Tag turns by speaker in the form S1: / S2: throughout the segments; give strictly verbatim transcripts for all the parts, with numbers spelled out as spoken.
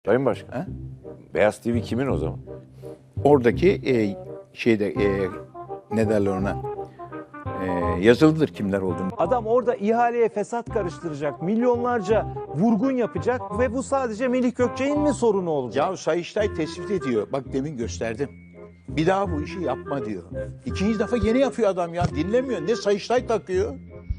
S1: Sayın Başkan.
S2: He?
S1: Beyaz T V kimin o zaman?
S2: Oradaki e, şeyde e, ne derler ona e, yazılıdır kimler olduğunu.
S3: Adam orada ihaleye fesat karıştıracak, milyonlarca vurgun yapacak ve bu sadece Melih Gökçek'in mi sorunu olacak?
S2: Ya Sayıştay tespit ediyor. Bak demin gösterdim. Bir daha bu işi yapma diyor. İkinci defa yeni yapıyor adam ya. Dinlemiyor. Ne Sayıştay takıyor.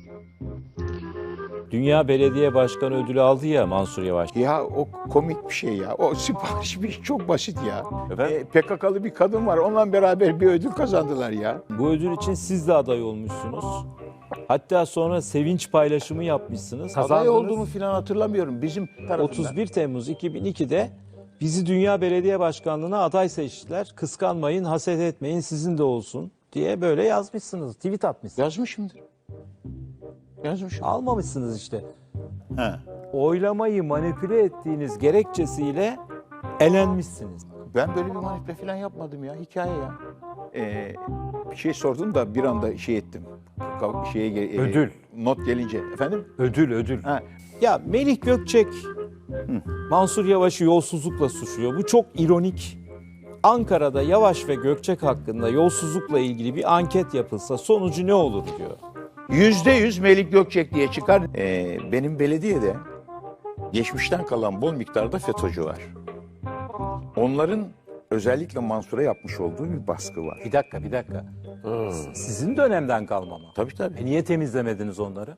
S4: Dünya Belediye Başkanı ödülü aldı ya Mansur Yavaş.
S2: Ya o komik bir şey ya. O sipariş bir iş çok basit ya.
S1: Efendim?
S2: E, P K K'lı bir kadın var. Onunla beraber bir ödül kazandılar ya.
S4: Bu ödül için siz de aday olmuşsunuz. Hatta sonra sevinç paylaşımı yapmışsınız.
S2: Aday
S4: Kazandınız.
S2: olduğumu falan hatırlamıyorum. Bizim tarafından.
S3: otuz bir Temmuz iki bin ikide bizi Dünya Belediye Başkanlığı'na aday seçtiler. Kıskanmayın, haset etmeyin, sizin de olsun diye böyle yazmışsınız, tweet atmışsınız.
S2: Yazmışımdır. Yazmışım.
S3: Almamışsınız işte.
S2: He.
S4: Oylamayı manipüle ettiğiniz gerekçesiyle elenmişsiniz.
S2: Ben böyle bir manipüle falan yapmadım ya. Hikaye ya. Ee, bir şey sordun da bir anda şey ettim. Ka- Şeye, ge- e,
S4: Ödül.
S2: Not gelince. Efendim?
S4: Ödül, ödül.
S2: Ha.
S3: Ya Melih Gökçek
S4: Mansur Yavaş'ı yolsuzlukla suçluyor. Bu çok ironik. Ankara'da Yavaş ve Gökçek hakkında yolsuzlukla ilgili bir anket yapılsa sonucu ne olur diyor.
S2: Yüzde yüz Melik Gökçek diye çıkar. Ee, benim belediyede geçmişten kalan bol miktarda FETÖ'cü var. Onların özellikle Mansur'a yapmış olduğu bir baskı var.
S3: Bir dakika, bir dakika. Sizin dönemden kalma mı?
S2: Tabii tabii.
S3: E niye temizlemediniz onları?